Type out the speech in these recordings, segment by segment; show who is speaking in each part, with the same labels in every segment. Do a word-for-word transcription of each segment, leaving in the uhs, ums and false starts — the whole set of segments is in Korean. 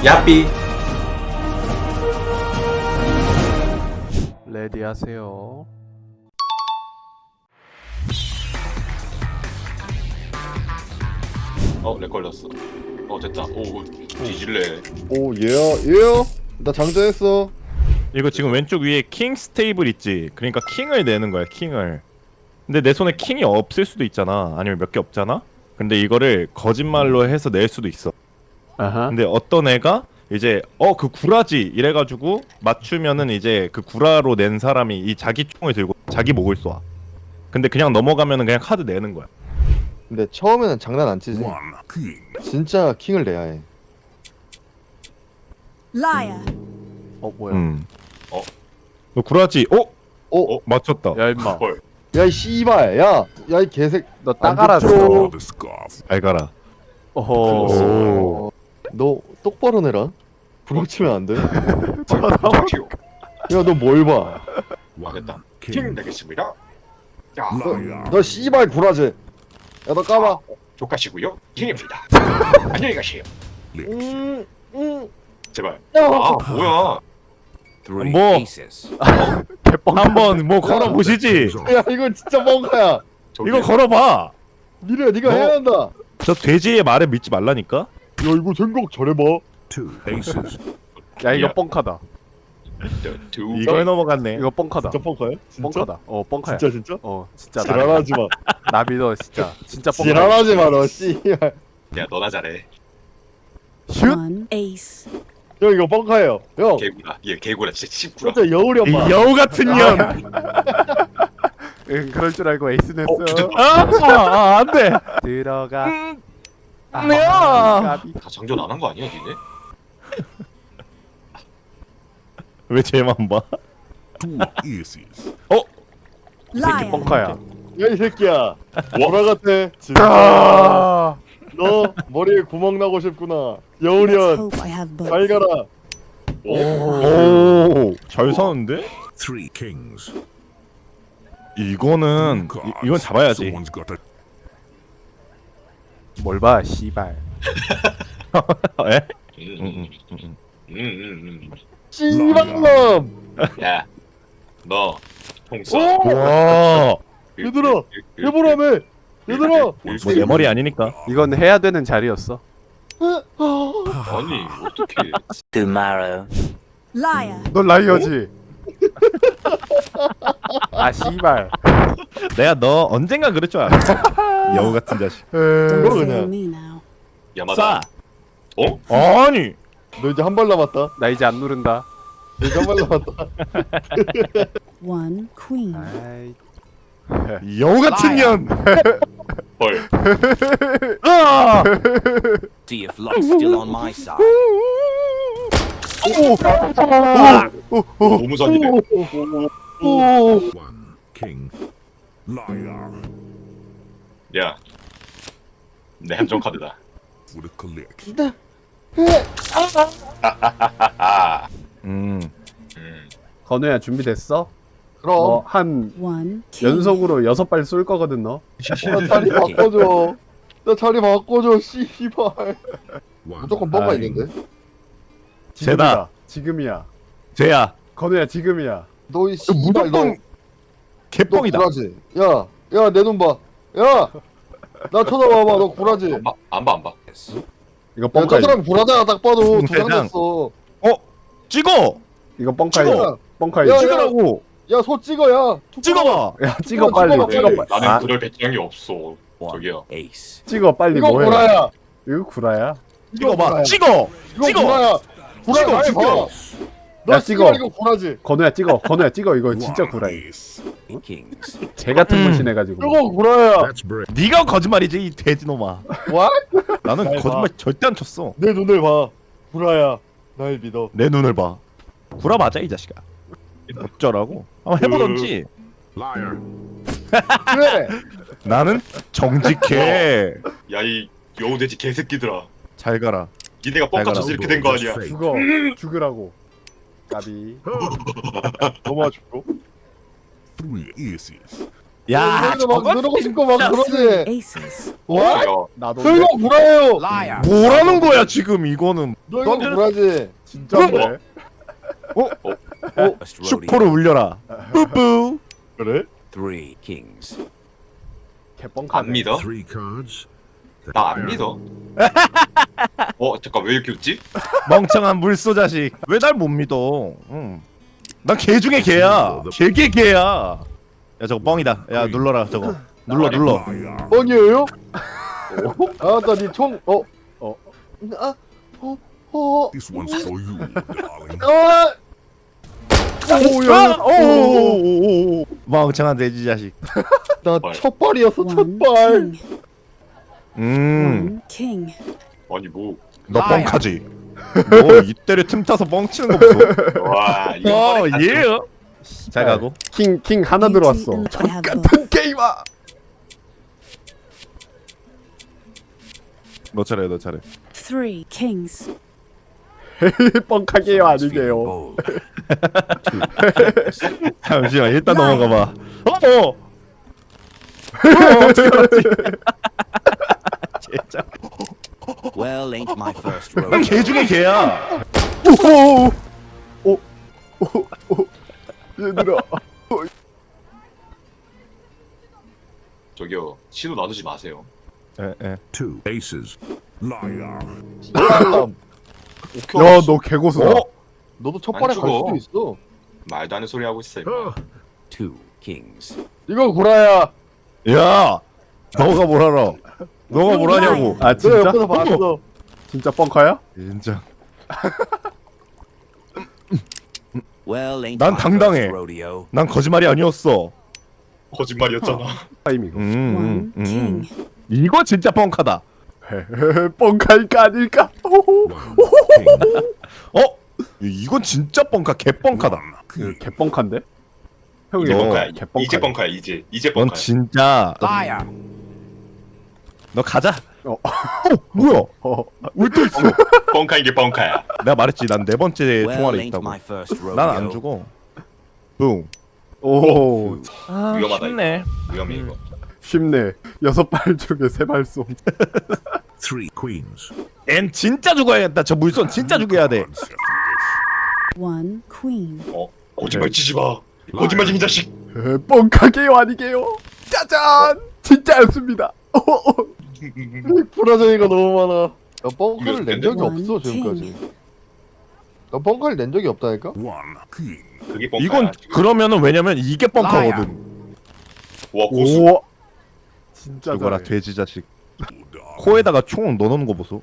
Speaker 1: 야삐.
Speaker 2: 레디 하세요.
Speaker 1: 어, 렉 걸렸어. 어, 됐다. 오, 뒤질래.
Speaker 3: 오 얘야 얘야 나 장전했어.
Speaker 4: 이거 지금 왼쪽 위에 킹 스테이블 있지? 그러니까 킹을 내는 거야, 킹을. 근데 내 손에 킹이 없을 수도 있잖아. 아니면 몇 개 없잖아? 근데 이거를 거짓말로 해서 낼 수도 있어.
Speaker 2: 아하.
Speaker 4: 근데 어떤 애가 이제 어 그 구라지 이래가지고 맞추면은 이제 그 구라로 낸 사람이 이 자기 총을 들고 자기 목을 쏴. 근데 그냥 넘어가면은 그냥 카드 내는 거야.
Speaker 3: 근데 처음에는 장난 안 치지. 진짜 킹을 내야 해.
Speaker 5: Liar.
Speaker 2: 어 뭐야?
Speaker 4: 음.
Speaker 1: 어?
Speaker 4: 너 구라지? 어?
Speaker 3: 어?
Speaker 4: 어? 맞췄다.
Speaker 2: 야 임마.
Speaker 1: 헐.
Speaker 3: 야 이 씨발 야! 야 이 개색
Speaker 2: 너 따가라.
Speaker 3: 줘.
Speaker 4: 잘 가라.
Speaker 2: 어허.
Speaker 4: 오.
Speaker 3: 너 똑바로 내라. 부러치면 안 돼.
Speaker 1: 잠시요.
Speaker 3: 야 너 뭘 봐.
Speaker 1: 아, 됐다. 킹 내겠습니다. 자,
Speaker 3: 너 씨발 구라지. 야 너 까봐.
Speaker 1: 조카시고요. 킹입니다. 안녕히 가세요.
Speaker 3: 음, 음.
Speaker 1: 제발.
Speaker 3: 야.
Speaker 1: 아, 뭐야?
Speaker 4: 뭐
Speaker 2: 개뻥.
Speaker 4: 한번 뭐 걸어 보시지.
Speaker 3: 야 이건 진짜 뭔가야.
Speaker 1: 저기,
Speaker 4: 이거 걸어봐.
Speaker 3: 미래 네가
Speaker 4: 뭐?
Speaker 3: 해야 한다.
Speaker 4: 저 돼지의 말을 믿지 말라니까.
Speaker 3: 야 이거 생각 잘해봐.
Speaker 2: 야 이거
Speaker 1: 야.
Speaker 2: 뻥카다.
Speaker 1: 두, 두,
Speaker 4: 이걸 넘어갔네.
Speaker 2: 이거 뻥카다.
Speaker 3: 진짜 뻥카야? 진짜?
Speaker 2: 뻥카다. 어 뻥카야.
Speaker 3: 진짜 진짜?
Speaker 2: 어 진짜 나,
Speaker 3: 지랄하지 마.
Speaker 2: 나 믿어 진짜. 진짜 뻥카.
Speaker 3: 지랄하지 마 너 씨발.
Speaker 1: 야, 너나 잘해.
Speaker 2: 슛.
Speaker 5: One ace.
Speaker 3: 형 이거 뻥카예요. 형
Speaker 1: 개구라. 얘 개구라. 진짜 씹구라.
Speaker 3: 진짜 여울이
Speaker 4: 이
Speaker 3: 엄마.
Speaker 4: 여우 같은 년.
Speaker 2: 응 그럴 줄 알고 에이스 냈어.
Speaker 4: 아, 아, 안 돼.
Speaker 2: 들어가. 아,
Speaker 4: 야.
Speaker 2: 까비.
Speaker 1: 다 장전 안 한 거 아니야, 니네?
Speaker 4: 왜 쟤만 봐?
Speaker 2: 새끼
Speaker 5: Liar.
Speaker 2: 뻥카야.
Speaker 3: 야 이 새끼야. 뭐라 같아? 진짜.
Speaker 2: 아.
Speaker 3: 너 머리에 구멍 나고 싶구나.
Speaker 5: Let's
Speaker 3: 여우련
Speaker 5: hope I have both.
Speaker 3: 잘 가라.
Speaker 4: 오, 잘 사는데?
Speaker 6: Three kings.
Speaker 4: 이거는 이, 이건 잡아야지.
Speaker 6: Someone's got a
Speaker 2: 뭘 봐, 씨발.
Speaker 4: 에?
Speaker 1: 음,
Speaker 4: 응,
Speaker 1: 음,
Speaker 4: 응, 응.
Speaker 1: 음, 음,
Speaker 3: 씨발놈.
Speaker 1: 음. 야, 너, 통 써.
Speaker 3: 오!
Speaker 4: 와,
Speaker 3: 얘들아, 해보라며. 얘들아.
Speaker 4: 뭐 내 머리 아니니까.
Speaker 2: 이건 해야 되는 자리였어.
Speaker 1: 아니, 어떻게.
Speaker 7: tomorrow.
Speaker 5: Liar.
Speaker 2: 넌 라이어지. 아 씨발.
Speaker 4: 내가 너 언젠가 그럴 줄 알았어. 여우 같은 자식.
Speaker 5: Don't
Speaker 3: 그거
Speaker 5: fool
Speaker 3: 그냥.
Speaker 5: me now.
Speaker 1: 야마다. 어?
Speaker 4: 아니,
Speaker 3: 너 이제 한 발 남았다.
Speaker 2: 나 이제 안 누른다.
Speaker 3: 너 이제 한 발 남았다.
Speaker 5: One queen.
Speaker 2: 아이.
Speaker 4: 여우 같은 년.
Speaker 1: 헐.
Speaker 4: 아!
Speaker 7: See if luck's still on my side.
Speaker 1: 너무 잔인해.
Speaker 6: one king. Liar.
Speaker 1: 야. 내 함정 카드다.
Speaker 6: For the collect.
Speaker 1: 아,
Speaker 4: 음,
Speaker 1: 음.
Speaker 2: 건우야 준비됐어?
Speaker 3: 그럼
Speaker 2: 너 한
Speaker 5: One king.
Speaker 2: 연속으로 여섯 발 쏠 거거든 너.
Speaker 3: 나 자리 바꿔줘. 나 자리 바꿔줘. 씨발.
Speaker 6: One.
Speaker 3: 무조건 뻥가
Speaker 2: 아이.
Speaker 3: 있는데.
Speaker 4: 쟤다.
Speaker 2: 지금이야.
Speaker 4: 쟤야.
Speaker 2: 건우야 지금이야.
Speaker 3: 너 이 씨발 너.
Speaker 4: 무조건
Speaker 3: 너
Speaker 4: 개뻥이다.
Speaker 3: 구라지. 야, 야 내 눈 봐. 야, 나 쳐다봐봐. 너 구라지.
Speaker 1: 안 봐, 안 봐, 안 봐.
Speaker 2: 이거
Speaker 3: 야, 저
Speaker 2: 뻥카.
Speaker 3: 사람 구라잖아. 딱 봐도
Speaker 4: 응,
Speaker 3: 두장
Speaker 4: 대장.
Speaker 3: 냈어.
Speaker 4: 찍어.
Speaker 2: 이거 뻥카이.
Speaker 3: 찍어.
Speaker 2: 뻥카이.
Speaker 3: 야, 야.
Speaker 4: 찍으라고.
Speaker 3: 야, 소 찍어야.
Speaker 4: 찍어봐.
Speaker 2: 야 찍어
Speaker 3: 찍어,
Speaker 2: 빨리.
Speaker 3: 찍어봐,
Speaker 2: 찍어
Speaker 3: 빨리.
Speaker 2: 빨리.
Speaker 1: 나는
Speaker 2: 아,
Speaker 1: 그럴 배짱이 없어.
Speaker 7: One
Speaker 1: 저기요.
Speaker 7: ace.
Speaker 2: 찍어 빨리
Speaker 3: 이거
Speaker 2: 뭐해?
Speaker 3: 구라야.
Speaker 2: 이거 구라야?
Speaker 4: 찍어봐. 찍어.
Speaker 3: 이거
Speaker 4: 찍어.
Speaker 3: 구라야. 구라
Speaker 4: 찍어,
Speaker 3: 날
Speaker 4: 찍어.
Speaker 3: 봐. 너
Speaker 2: 야,
Speaker 3: 찍어.
Speaker 2: 찍어.
Speaker 3: 이거 구라지.
Speaker 2: 건우야 찍어. 건우야 찍어. 이거 진짜
Speaker 6: One
Speaker 2: 구라야.
Speaker 6: ace.
Speaker 7: Kings.
Speaker 2: 개 같은
Speaker 4: 음.
Speaker 2: 무신 해가지고.
Speaker 3: 이거 구라야.
Speaker 6: That's brave.
Speaker 4: 네가 거짓말이지 이 돼지놈아.
Speaker 3: What?
Speaker 4: 나는
Speaker 3: 잘
Speaker 4: 거짓말
Speaker 3: 봐.
Speaker 4: 절대 안 쳤어.
Speaker 3: 내 눈을 봐. 구라야. 날 믿어.
Speaker 4: 내 눈을 봐. 구라 맞아 이 자식아. 어쩌라고? 한번 해보던지.
Speaker 6: Liar.
Speaker 3: 그래.
Speaker 4: 나는 정직해.
Speaker 1: 야, 이 여우돼지 개새끼들아.
Speaker 4: 잘 가라.
Speaker 1: 니네가 뻥까쳐서 이렇게 된 거 아니야.
Speaker 6: Fake.
Speaker 2: 죽어. 죽으라고. 까비.
Speaker 3: 넘어와 줄고.
Speaker 6: Three aces.
Speaker 4: 야
Speaker 3: 너희도 막
Speaker 4: 저건
Speaker 3: 누르고 싶고 막
Speaker 5: Three
Speaker 3: 그러지.
Speaker 5: aces.
Speaker 1: 어,
Speaker 3: 와?
Speaker 1: 야,
Speaker 2: 나도
Speaker 3: 설마 구라예요.
Speaker 7: Liar.
Speaker 4: 뭐라는 거야 지금 이거는.
Speaker 3: 너 이거
Speaker 4: 넌-
Speaker 3: 구라지.
Speaker 2: 진짜인데.
Speaker 7: First rodeo.
Speaker 4: 슈퍼를 울려라. 뿌뿌. 그래?
Speaker 7: Three kings.
Speaker 1: 안
Speaker 2: 개뻥카네.
Speaker 1: 믿어?
Speaker 6: Three cards.
Speaker 1: 나 안 믿어. 어 잠깐 왜 이렇게 웃지?
Speaker 4: 멍청한 물소 자식. 왜 날 못 믿어? 응. 난 개 중에 개야. 개개 개야. 야 저거 뻥이다. 야 눌러라 저거. 눌러 눌러.
Speaker 6: Liar.
Speaker 3: 뻥이에요? 아나 니 총. 어.
Speaker 2: 어.
Speaker 3: 아. 어. 어.
Speaker 6: This one's for you, darling.
Speaker 3: 아.
Speaker 4: 오야. 오오오오. 멍청한 돼지 자식.
Speaker 3: 나
Speaker 1: 발.
Speaker 3: 첫 발이었어 첫
Speaker 5: One
Speaker 3: 발.
Speaker 5: king.
Speaker 4: 음.
Speaker 5: One king.
Speaker 1: 아니 뭐.
Speaker 4: 너 뻥카지. 너 이때를 틈타서 뻥치는 거 보소.
Speaker 1: 와 이거
Speaker 4: 어
Speaker 1: 뻔해.
Speaker 4: 예. 잘 가고.
Speaker 2: 킹, 킹 하나
Speaker 5: Beauty
Speaker 2: 들어왔어.
Speaker 5: and I have both.
Speaker 2: 같은 게임아.
Speaker 4: 너 차례 너 차례.
Speaker 5: Three kings.
Speaker 2: 뻥카게요
Speaker 7: Someone's feeling
Speaker 2: 아니게요.
Speaker 7: bold. Two kings.
Speaker 4: 잠시만 일단
Speaker 5: 나이.
Speaker 4: 넘어가 봐. 어. 어. 어, 어떻게 알았지? 진짜.
Speaker 7: Well, ain't my first
Speaker 4: 난
Speaker 7: rodeo.
Speaker 4: 개 중에 개야.
Speaker 2: 오, 오, 오, 오. 얘들아.
Speaker 1: 저기요 신호 나누지 마세요.
Speaker 4: 에, 에.
Speaker 6: Two aces. Liar.
Speaker 3: 빨람.
Speaker 1: 오케이.
Speaker 2: 야, 너 개고수다.
Speaker 4: 어?
Speaker 3: 너도 첫
Speaker 1: 안
Speaker 3: 발에 갈
Speaker 1: 죽어.
Speaker 3: 수도 있어.
Speaker 1: 말도 안 되는 소리 하고 있어. 임마.
Speaker 6: Uh,
Speaker 7: Two kings.
Speaker 3: 이거 구라야.
Speaker 4: 야, 너가 뭘 알아? 너가 뭘 하냐고?
Speaker 2: 아,
Speaker 3: 내가
Speaker 2: 진짜?
Speaker 3: 옆에서 봤어.
Speaker 2: 진짜 뻥카야?
Speaker 4: 인정.
Speaker 7: Well, ain't
Speaker 4: 난
Speaker 7: my
Speaker 4: 당당해.
Speaker 7: first rodeo.
Speaker 4: 난 거짓말이 아니었어.
Speaker 1: 거짓말이었잖아.
Speaker 2: 타이밍.
Speaker 4: 음,
Speaker 5: One
Speaker 4: 음, 음.
Speaker 5: king.
Speaker 4: 이거 진짜 뻥카다.
Speaker 2: 뻥카일까 아닐까? 호호.
Speaker 6: one king.
Speaker 4: 어? 이건 진짜 뻥카, 개 뻥카다.
Speaker 2: 그 개뻥카인데? 형이
Speaker 1: 이제
Speaker 4: 너
Speaker 1: 뻥카야.
Speaker 2: 개뻥카야.
Speaker 1: 이제 뻥카야. 이제 이제
Speaker 4: 넌
Speaker 1: 뻥카야.
Speaker 4: 진짜.
Speaker 7: Liar.
Speaker 4: 너 가자.
Speaker 2: 어.
Speaker 4: 어, 뭐야?
Speaker 2: 어.
Speaker 4: 울또 있어.
Speaker 1: 뻥카인 게 뻥카야.
Speaker 4: 내가 말했지, 난 네 번째
Speaker 7: Well,
Speaker 4: 통화를
Speaker 7: ain't
Speaker 4: 있다고.
Speaker 7: my first rodeo.
Speaker 4: 난 안 죽어. 뿡.
Speaker 2: 오.
Speaker 4: 아,
Speaker 1: 위험하다,
Speaker 4: 쉽네.
Speaker 1: 위험해 이거.
Speaker 2: 쉽네. 여섯 발 중에 세 발 쏨.
Speaker 6: Three queens.
Speaker 4: 얜 진짜 죽어야겠다. 저 물선 진짜 죽여야 돼.
Speaker 6: Cards.
Speaker 5: One queen.
Speaker 1: 어 거짓말 치지 마. 거짓말쟁이 자식.
Speaker 2: 에, 뻥카게요 아니게요? 짜잔! 진짜였습니다.
Speaker 3: 불화쟁이가 너무 많아. 나 뻥카를 낸 적이
Speaker 5: One
Speaker 3: 없어 지금까지. 나 뻥카를 낸 적이 없다니까?
Speaker 6: One king.
Speaker 1: 그게 뻥카야.
Speaker 4: 이건 그러면은 왜냐면 이게 뻥카거든.
Speaker 1: 와 고수.
Speaker 2: 오. 진짜
Speaker 4: 죽어라
Speaker 2: 잘해.
Speaker 4: 돼지 자식.
Speaker 6: Darling.
Speaker 4: 코에다가 총 넣어놓는 거 보소.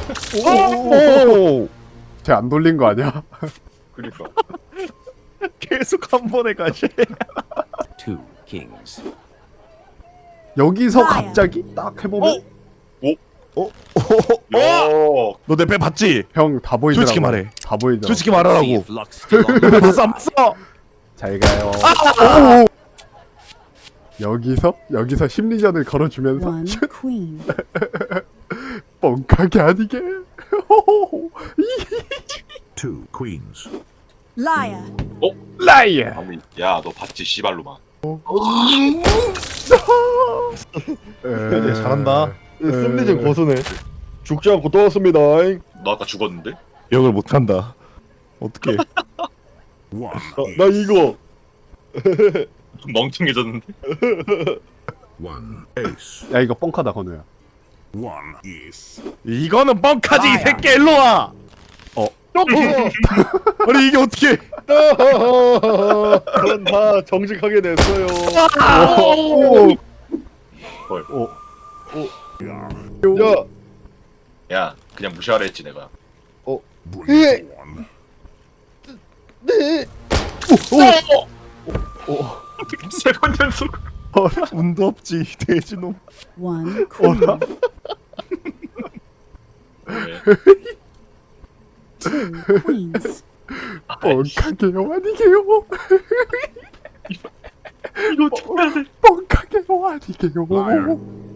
Speaker 2: 오.
Speaker 4: 오!
Speaker 2: 쟤안 돌린 거 아니야?
Speaker 1: 그러니까.
Speaker 4: 계속 한 번에 가시.
Speaker 7: Two kings.
Speaker 2: 여기서
Speaker 5: 나야.
Speaker 2: 갑자기 딱 해보면
Speaker 4: 어?
Speaker 1: 야.
Speaker 4: 너 내 배 봤지?
Speaker 2: 형 다 보이더라고.
Speaker 4: 솔직히 말해.
Speaker 2: 다 보이더라고.
Speaker 4: 솔직히
Speaker 7: See
Speaker 4: 말하라고.
Speaker 7: if luck's still on my
Speaker 4: 봤어 안
Speaker 7: side.
Speaker 4: 봤어?
Speaker 2: 잘 가요. 오. 여기서 여기서 심리전을 걸어주면서
Speaker 5: One queen.
Speaker 2: 뻥카게 아니게.
Speaker 6: Two queens.
Speaker 5: Liar.
Speaker 2: 라이어.
Speaker 1: 아니 야너 봤지 씨발로만.
Speaker 4: 네, 잘한다.
Speaker 3: 심리전 고수네. 죽지 않고 또 왔습니다.
Speaker 1: 너 아까 죽었는데?
Speaker 4: 기억을 못한다. 어떻게?
Speaker 6: One
Speaker 3: 나
Speaker 6: ace.
Speaker 3: 이거.
Speaker 1: 멍청해졌는데?
Speaker 6: One ace.
Speaker 2: 야 이거 뻥카다 건우야.
Speaker 6: One ace.
Speaker 4: 이거는 뻥카지 이 새끼 일로 와. 아니 이게 어떻게?
Speaker 3: 그건 다 정직하게 냈어요.
Speaker 2: 오.
Speaker 1: 헐.
Speaker 2: 오.
Speaker 3: 야,
Speaker 1: 야 그냥 무시하라 했지 내가.
Speaker 6: Bring
Speaker 3: 예.
Speaker 6: it on.
Speaker 3: 네.
Speaker 1: 세 번 연속.
Speaker 4: 운도 없지 돼지놈.
Speaker 5: One queen.
Speaker 1: 왜?
Speaker 5: Two queens.
Speaker 2: 뻥카게요 아니게요.
Speaker 1: 이거 어떻게 해야 돼?
Speaker 2: 뻥카게요 아니게요.
Speaker 6: Liar.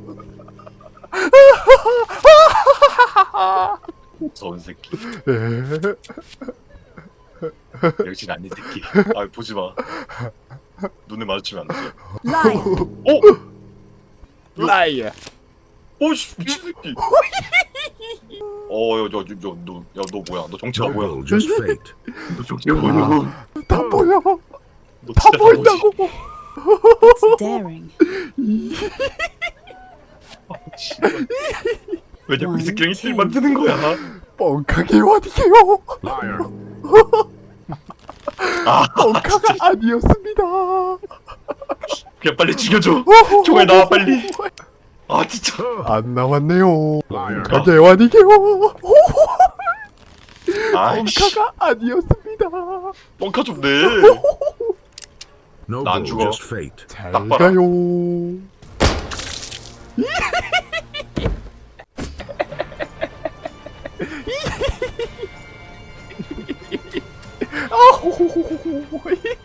Speaker 1: 무서운 새끼.
Speaker 2: 에.
Speaker 1: 역시 난이 새끼. 아 보지 마. 눈을 마주치면 안 돼.
Speaker 5: Liar.
Speaker 2: 라이어.
Speaker 1: 오씨 미친 새끼. 어야야야너야너 뭐야? 너 정체가 뭐야?
Speaker 6: Noble, just fate.
Speaker 1: 너 정체가 뭐야?
Speaker 2: 다 보여.
Speaker 1: 너
Speaker 2: 다
Speaker 1: 진짜
Speaker 2: 보인다고.
Speaker 5: It's daring.
Speaker 1: 바보지. 왜 자꾸 이 새끼랑 일을 만드는 거야?
Speaker 2: 뻥카게 와디게요.
Speaker 6: Liar.
Speaker 1: 아
Speaker 2: 뻥카가 아니었습니다.
Speaker 1: 그냥 빨리 죽여줘. 총알 나와 빨리. 아 진짜.
Speaker 2: 안 나왔네요.
Speaker 6: Liar.
Speaker 2: 뻥카게 와디게요.
Speaker 1: 아이씨.
Speaker 2: 뻥카가 아니었습니다.
Speaker 1: 뻥카 좀 내.
Speaker 6: Noble,
Speaker 1: 난 죽어.
Speaker 6: just fate.
Speaker 2: 잘
Speaker 1: 딱 봐라.
Speaker 2: 가요. 아호호호호호.